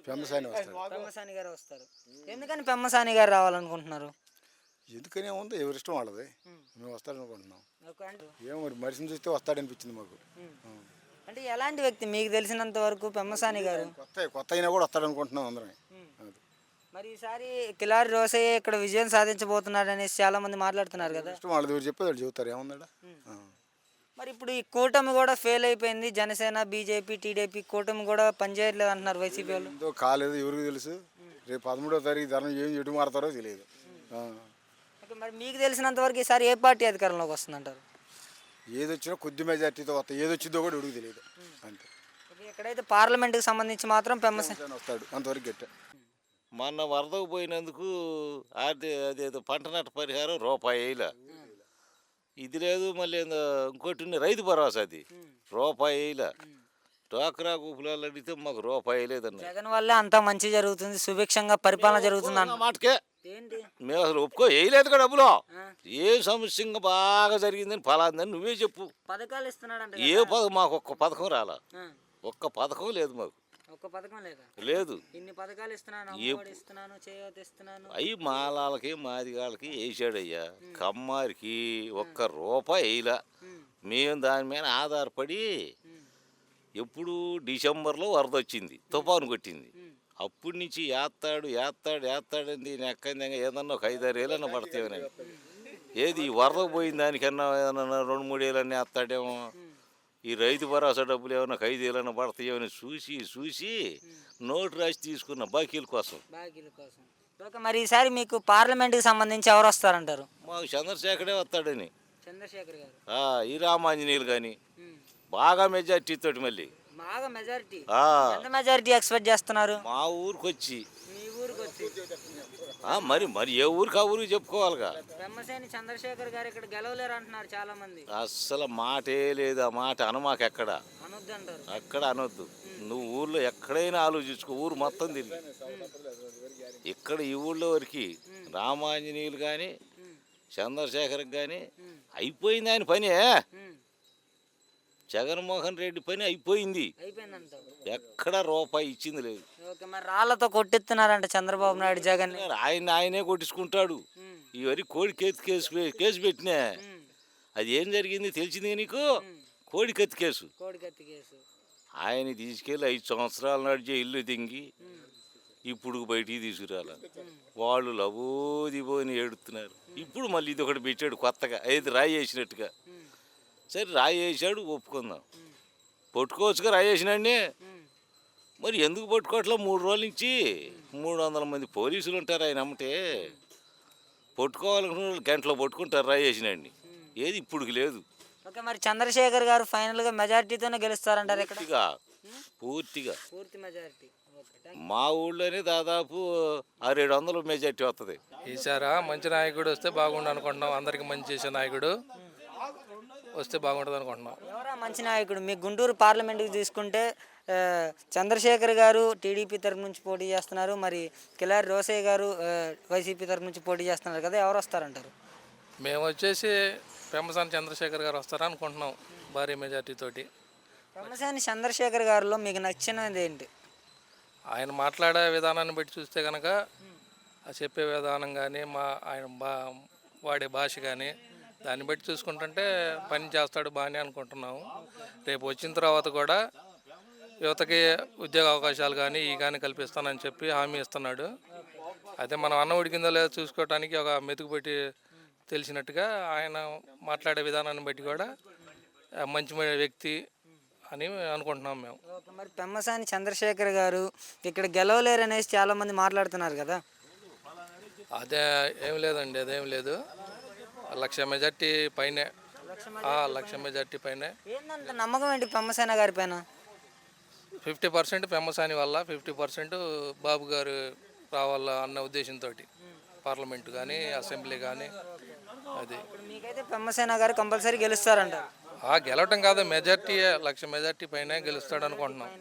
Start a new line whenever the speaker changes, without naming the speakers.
పెమ్మసాని వస్తాడు.
పెమ్మసాని గారు వస్తారు. ఎందుకని పెమ్మసాని గారు రావాలనుకుంటున్నారు?
ఎందుకనే ఉంది ఎవరిష్టం వాళ్ళది. మేము వస్తాడనుకుంటున్నాం.
ఓకే అంటే
ఏమో మరి మనిషిని చూస్తే వస్తాడనిపించింది మాకు.
అంటే ఎలాంటి వ్యక్తి మీకు తెలిసినంత వరకు పెమ్మసాని గారు?
కొత్త అయినా కూడా వస్తాడనుకుంటున్నాం అందరం. అది
మరి ఈసారి కిలారి రోసయ్య ఇక్కడ విజయం సాధించబోతున్నాడు అనేసి చాలా మంది మాట్లాడుతున్నారు కదా.
ఇష్టం వాళ్ళది ఎవరు చెప్పేది వాళ్ళు చెబుతారు ఏముందా.
మరి ఇప్పుడు ఈ కూటమి కూడా ఫెయిల్ అయిపోయింది. జనసేన, బీజేపీ, టీడీపీ కూటమి కూడా పనిచేయట్లేదు అంటున్నారు వైసీపీ వాళ్ళు.
ఎంతో కాలేదు ఎవరికి తెలుసు. రేపు 13వ తారీఖు ధనం ఏం ఎటు మారుతారో తెలియదు.
ఓకే మరి మీకు తెలిసినంత వరకు ఈసారి ఏ పార్టీ అధికారంలోకి వస్తుందంటారు?
ఏది వచ్చినా కొద్ది మెజార్టీతో వస్తాయి. ఏది వచ్చిందో కూడా ఎవరికి తెలియదు అంతే.
ఎక్కడైతే పార్లమెంట్కి సంబంధించి మాత్రం పెమ్మసాని
వస్తాడు అంతవరకు గట్ట.
మొన్న వరదకు పోయినందుకు అదేదో పంట నట్ట పరిహారం రూపాయిల ఇది లేదు. మళ్ళీ ఇంకోటి రైతు భరోసా అది రూపాయిల. డ్వాక్రా గుంపులలో అడిగితే మాకు రూపాయి లేదన్న.
జగన్ వల్లే అంతా మంచి జరుగుతుంది, సుభిక్షంగా పరిపాలన జరుగుతుంది అన్న
మాటకే మేము అసలు ఒప్పుకో వేయలేదు కదా డబ్బులు. ఏ సమస్య బాగా జరిగిందని ఫలాందని నువ్వే చెప్పు.
పథకాలు ఇస్తున్నాడు
ఏ పథకం మాకు ఒక్క పథకం రాలా. ఒక్క పథకం లేదు మాకు.
ఒక్క పథకం లేదా?
లేదు.
ఇన్ని పథకాలు ఇస్తున్నాను, ఇస్తున్నాను, చేయూత ఇస్తున్నాను.
అవి మాలాలకి మాదిగాళ్ళకి వేసాడయ్యా. కమ్మారికి ఒక్క రూపాయి వేయలా. మేము దాని మీద ఆధారపడి ఎప్పుడు డిసెంబర్లో వరద వచ్చింది, తుఫాను కొట్టింది. అప్పటి నుంచి ఏత్తాడని దీని ఎక్కంగా ఏదన్నా ఒక 5-6 ఏళ్ళన్నా పడతామని. ఏది ఈ వరదకు పోయిన దానికన్నా ఏదన్నా 2-3 ఏళ్ళన్నీ వేస్తాడేమో. ఈ రైతు భరోసా డబ్బులు ఏమన్నా 5 ఏళ్ళన్నా పడతాయేమని చూసి నోటు రాసి తీసుకున్న బాకీల కోసం.
మరి ఈసారి మీకు పార్లమెంట్కి సంబంధించి ఎవరు వస్తారంటారు?
మాకు చంద్రశేఖరే వస్తాడని.
చంద్రశేఖర్ గారు,
ఈ రామాంజనేయులు కానీ బాగా మెజార్టీ తోటి మళ్ళీ
బాగా మెజారిటీ. ఎంత మెజారిటీ ఎక్స్పెక్ట్ చేస్తున్నారు?
మా ఊరికి వచ్చి
మీ ఊరికి వచ్చి
మరి ఏ ఊరికి ఆ ఊరికి చెప్పుకోవాలిగా.
పెమ్మసాని చంద్రశేఖర్ గారు ఇక్కడ గెలవలేరు అంటున్నారు చాలా మంది.
అస్సలు మాటే లేదు. ఆ మాట అనమాకు. ఎక్కడ
అనొద్దు అంటారు.
అక్కడ అనొద్దు. నువ్వు ఊర్లో ఎక్కడైనా ఆలోచించుకో. ఊరు మొత్తం తిరిగి ఇక్కడ ఈ ఊళ్ళో వరకు రామాంజనేయులు కానీ చంద్రశేఖర్ కానీ అయిపోయింది ఆయన పని. జగన్మోహన్ రెడ్డి పని అయిపోయింది. ఎక్కడ రూపాయి ఇచ్చింది లేదు.
మరి రాళ్లతో కొట్టిస్తున్నారంట చంద్రబాబు నాయుడు జగన్.
ఆయనే కొట్టించుకుంటాడు. ఈ వరకు కోడి కేసు పెట్టినా అది ఏం జరిగింది తెలిసింది నీకు? కోడి కత్తి కేసు. ఆయన తీసుకెళ్ళి 5 సంవత్సరాల నాడు జైల్లో దింగి ఇప్పుడు బయటికి తీసుకురాల. వాళ్ళు లబోదిబోని ఏడుతున్నారు. ఇప్పుడు మళ్ళీ ఇది ఒకటి పెట్టాడు కొత్తగా, ఏది రాయి వేసినట్టుగా. సరే రాయి వేసాడు, ఒప్పుకుందాం. పట్టుకోవచ్చుగా రాయి వేసినాడిని. మరి ఎందుకు పట్టుకోవట్లా? 3 రోజుల నుంచి 300 మంది పోలీసులు ఉంటారు ఆయన అమ్మటే. పట్టుకోవాలనుకున్న వాళ్ళు గంటలో పట్టుకుంటారు రాయి వేసినాడిని. ఏది ఇప్పుడుకి లేదు.
ఓకే మరి చంద్రశేఖర్ గారు ఫైనల్గా మెజారిటీతోనే గెలుస్తారంటారు ఇక్కడ?
పూర్తిగా
పూర్తి మెజారిటీ.
మా ఊళ్ళోనే దాదాపు 600-700 మెజారిటీ వస్తుంది.
ఈసారా మంచి నాయకుడు వస్తే బాగుండు అనుకుంటున్నాం. అందరికి మంచి చేసే నాయకుడు వస్తే బాగుంటుంది అనుకుంటున్నాం.
ఎవరా మంచి నాయకుడు? మీ గుంటూరు పార్లమెంట్కి తీసుకుంటే చంద్రశేఖర్ గారు టీడీపీ తరఫు నుంచి పోటీ చేస్తున్నారు, మరి కిలారి రోసయ్య గారు వైసీపీ తరఫు నుంచి పోటీ చేస్తున్నారు కదా, ఎవరు వస్తారంటారు?
మేము వచ్చేసి పెమ్మసాని చంద్రశేఖర్ గారు వస్తారా అనుకుంటున్నాం భారీ మెజార్టీ తోటి.
పెమ్మసాని చంద్రశేఖర్ గారిలో మీకు నచ్చినది ఏంటి?
ఆయన మాట్లాడే విధానాన్ని బట్టి చూస్తే కనుక చెప్పే విధానం కానీ ఆయన వాడే భాష కానీ దాన్ని బట్టి చూసుకుంటుంటే పని చేస్తాడు బాగానే అనుకుంటున్నాము. రేపు వచ్చిన తర్వాత కూడా యువతకి ఉద్యోగ అవకాశాలు కానీ కల్పిస్తానని చెప్పి హామీ ఇస్తున్నాడు. అదే మనం అన్నం ఉడికిందో లేదో చూసుకోవటానికి ఒక మెతుకు పెట్టి తెలిసినట్టుగా ఆయన మాట్లాడే విధానాన్ని బట్టి కూడా మంచి వ్యక్తి అని అనుకుంటున్నాం మేము.
మరి పెమ్మసాని చంద్రశేఖర్ గారు ఇక్కడ గెలవలేరు అనేసి చాలామంది మాట్లాడుతున్నారు కదా.
అదే ఏం లేదండి, అదేం లేదు. 1,00,000 మెజార్టీ పైనే. 1,00,000 మెజార్టీ పైనే.
ఏంటంటే నమ్మకం ఏంటి పెమ్మసాని గారి పైన?
50% పెమ్మసాని వల్ల, 50% బాబు గారు రావాలా అన్న ఉద్దేశంతో పార్లమెంటు కానీ అసెంబ్లీ కానీ. అది
మీకైతే పెమ్మసాని గారు కంపల్సరీ గెలుస్తారంట?
గెలవటం కాదు, మెజార్టీ 1,00,000 మెజార్టీ పైన గెలుస్తాడు అనుకుంటున్నాం.